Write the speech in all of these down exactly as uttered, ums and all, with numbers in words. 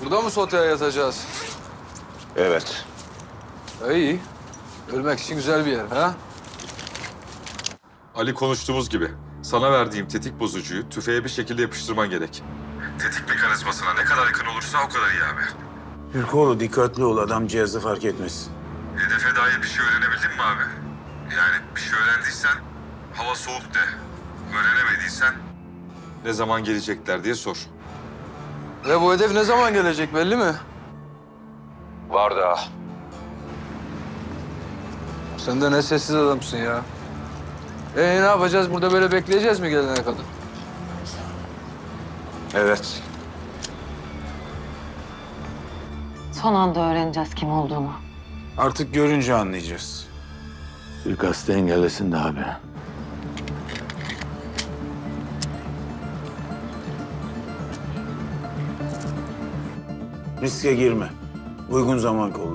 Burada mı soteye yatacağız? Evet. İyi. Ölmek için güzel bir yer ha? Ali konuştuğumuz gibi sana verdiğim tetik bozucuyu tüfeğe bir şekilde yapıştırman gerek. Tetik mekanizmasına ne kadar yakın olursa o kadar iyi abi. Türkoğlu dikkatli ol, adam cihazı fark etmesin. Hedefe dair bir şey öğrenebildin mi abi? Yani bir şey öğrendiysen hava soğuk de. Öğrenemediysen ne zaman gelecekler diye sor. Ve bu hedef ne zaman gelecek belli mi? Var daha. Sen de ne sessiz adamsın ya. Ee ne yapacağız? Burada böyle bekleyeceğiz mi gelene kadar? Evet. Son anda öğreneceğiz kim olduğunu. Artık görünce anlayacağız. Suikastı engellesin de abi. Riske girme. Uygun zaman kolla.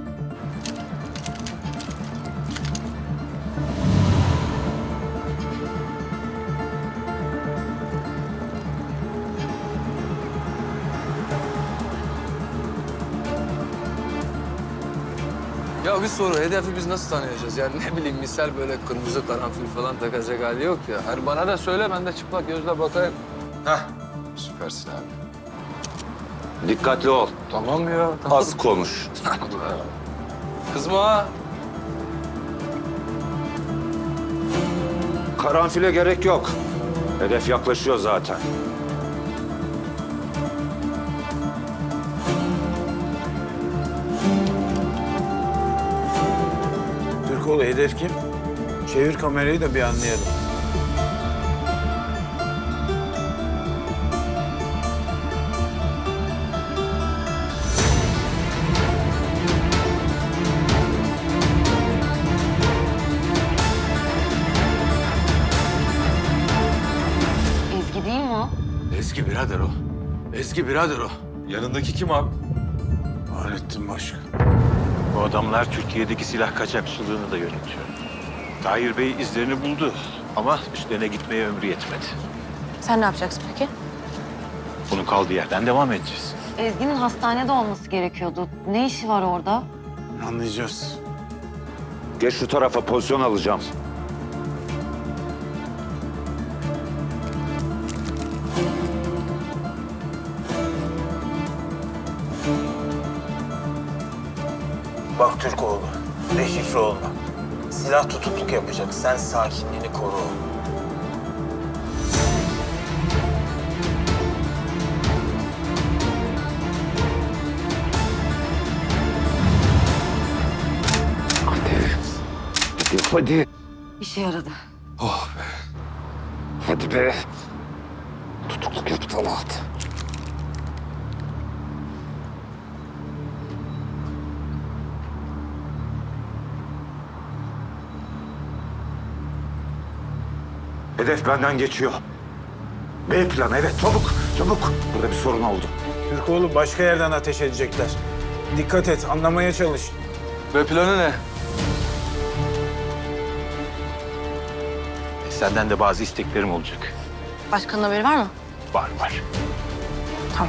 Ya bir soru, hedefi biz nasıl tanıyacağız? Yani ne bileyim misal böyle kırmızı karanfil falan takacak hali yok ya. Hani bana da söyle, ben de çıplak gözle bakayım. Heh, süpersin abi. Dikkatli ol. Tamam ya, tamam. Az konuş. Kızma ha. Karanfile gerek yok. Hedef yaklaşıyor zaten. Türkoğlu hedef kim? Çevir kamerayı da bir anlayalım. Ezgi değil mi o? Eski birader o. Eski birader o. Yanındaki kim abi? Fahrettin Başkan. Bu adamlar Türkiye'deki silah kaçakçılığını da yönetiyor. Tahir Bey izlerini buldu ama üstlerine gitmeye ömrü yetmedi. Sen ne yapacaksın peki? Bunun kaldığı yerden devam edeceğiz. Ezgi'nin hastanede olması gerekiyordu. Ne işi var orada? Anlayacağız. Geç şu tarafa, pozisyon alacağım. Bak Türkoğlu, deşifre olma. Silah tutukluk yapacak. Sen sakinliğini koru. Hadi, hadi. İşe yaradı. Hadi be. Tutukluk yaptı Talat. Hedef benden geçiyor. B planı, evet, çabuk, çabuk. Burada bir sorun oldu. Türkoğlu başka yerden ateş edecekler. Dikkat et, anlamaya çalış. Ve planı ne? Senden de bazı isteklerim olacak. Başkanın haberi var mı? Var var. Tamam.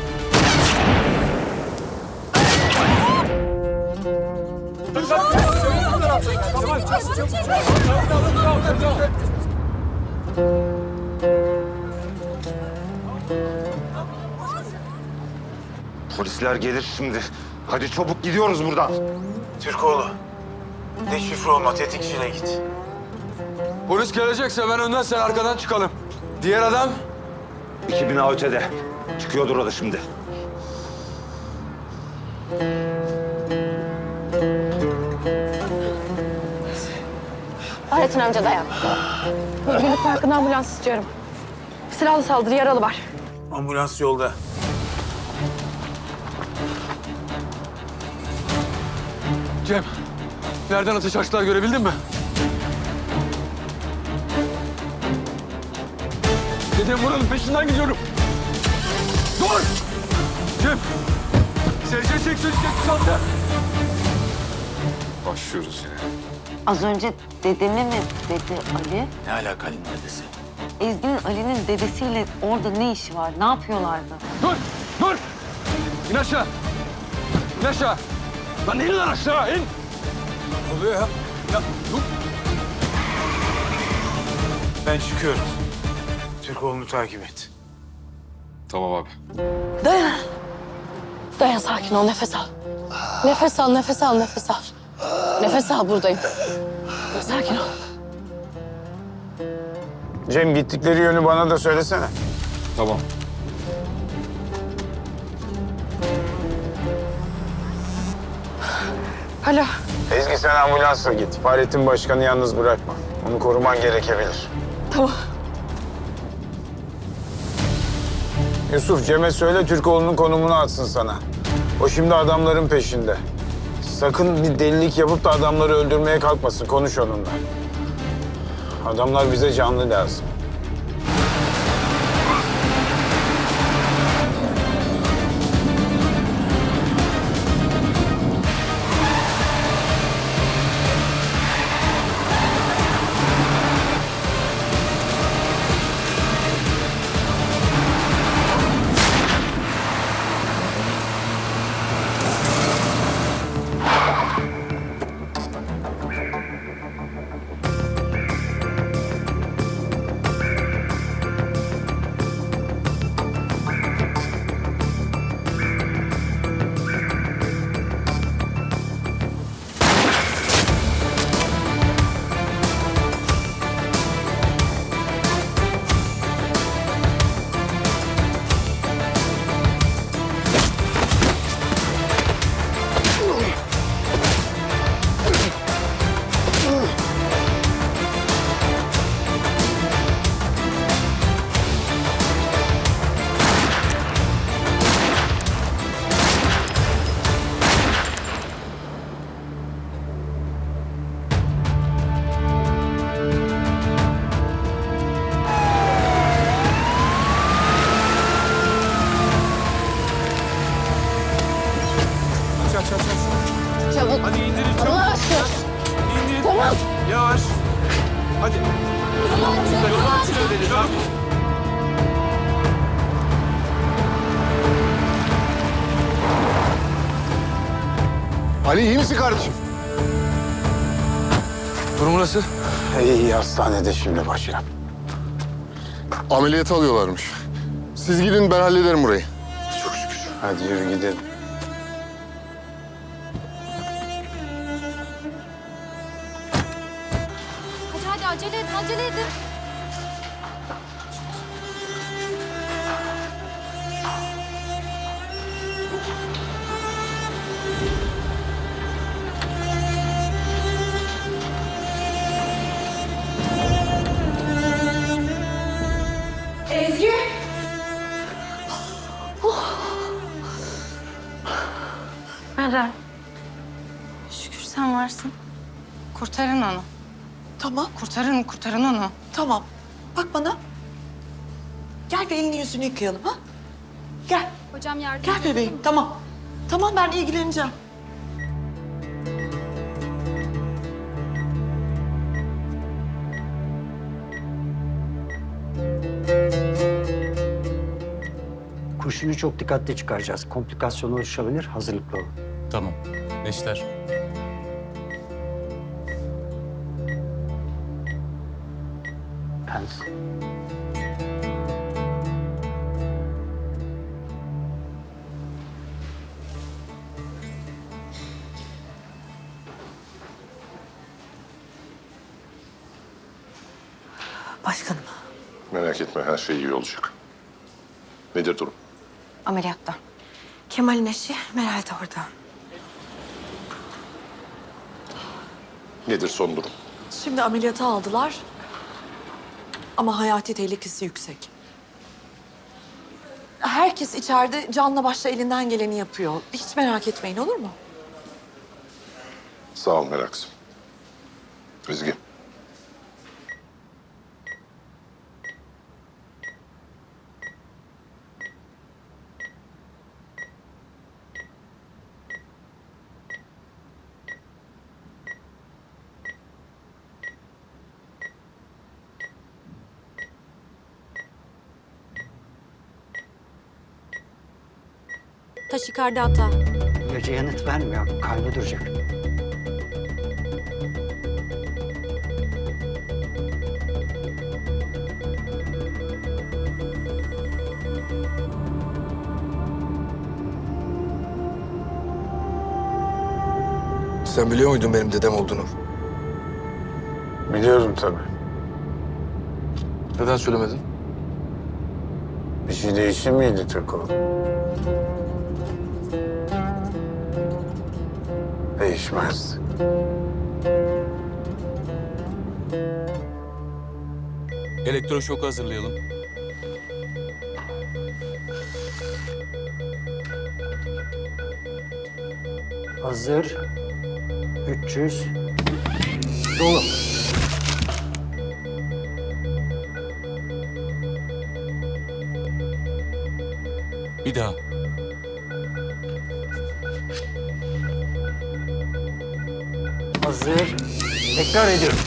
Polisler gelir şimdi. Hadi çabuk gidiyoruz buradan. Türkoğlu, deşifre olma, tetikçiyle git. Polis gelecekse ben önden, sen arkadan çıkalım. Diğer adam? İki bina ötede. Çıkıyordur o da şimdi. Fahrettin amca dayan. Özgürlük Parkı'na ambulans istiyorum. Silahlı saldırı, yaralı var. Ambulans yolda. Cem, nereden ateş açtılar görebildin mi? Dedim buranın peşinden gidiyorum. Dur! Cem! S C seksen sekiz altı. Başlıyoruz yine. Az önce dedemi mi dedi Ali? Ne alakalı dedesi? Ezgi'nin Ali'nin dedesiyle orada ne işi var? Ne yapıyorlardı? Dur! Dur! İn aşağı. İn aşağı. Lan in lan aşağı in. Ne oluyor ya? Ya dur. Ben çıkıyorum. Türkoğlu'nu takip et. Tamam abi. Dayan. Dayan, sakin ol, nefes al. Nefes al, nefes al, nefes al. Nefes al, buradayım. Sakin ol. Cem, gittikleri yönü bana da söylesene. Tamam. Alo. Ezgi, sen ambulansla git. Fahrettin Başkan'ı yalnız bırakma. Onu koruman gerekebilir. Tamam. Yusuf, Cem'e söyle Türkoğlu'nun konumunu atsın sana. O şimdi adamların peşinde. Sakın bir delilik yapıp da adamları öldürmeye kalkmasın. Konuş onunla. Adamlar bize canlı lazım. Çabuk. Hadi indirin çabuk. Allah aşkına. İndir. Tamam. Yavaş. Hadi. Yolun içine deli. Çabuk. Ali iyi misin kardeşim? Durum nasıl? İyi, iyi, hastanede şimdi başına. Ameliyata alıyorlarmış. Siz gidin ben hallederim burayı. Çok şükür. Hadi yürü gidelim. Hadi hadi acele et, acele edin. Ezgi. Meral. Şükür sen varsın. Kurtarın onu. Tamam, Kurtarın, kurtarın onu. tamam. Bak bana. Gel bir elini yüzünü yıkayalım ha. Gel, Hocam yardım gel bebeğim. Tamam. Tamam, ben ilgileneceğim. Kurşunu çok dikkatli çıkaracağız. Komplikasyon oluşabilir, hazırlıklı olun. Tamam. Neşter. Pens. Başkanım. Merak etme her şey iyi olacak. Nedir durum? Ameliyatta. Kemal'in eşi Meral de orada. Nedir son durum? Şimdi ameliyata aldılar. Ama hayati tehlikesi yüksek. Herkes içeride canla başla elinden geleni yapıyor. Hiç merak etmeyin, olur mu? Sağ ol Meraksım. Ezgi. Taşikardi hata. İlaca yanıt vermiyor. Kalbi duracak. Sen biliyor muydun benim dedem olduğunu? Biliyorum tabii. Neden söylemedin? Bir şey değişir miydi Türkoğlu? Değişmezdi. Elektroşoku hazırlayalım. Hazır. üç yüz. Dolu. Bir daha. Hazır. Tekrar ediyorum.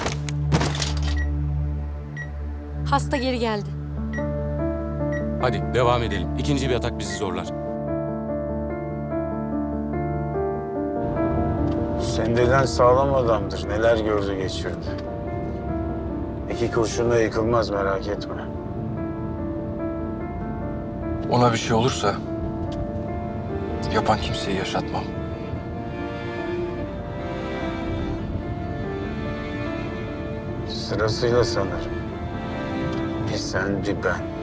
Hasta geri geldi. Hadi devam edelim. İkinci bir atak bizi zorlar. Sendelen sağlam adamdır. Neler gördü geçirdi. İki kurşunla yıkılmaz, merak etme. Ona bir şey olursa yapan kimseyi yaşatmam. Sırasıyla sanırım. Bir sen bir ben.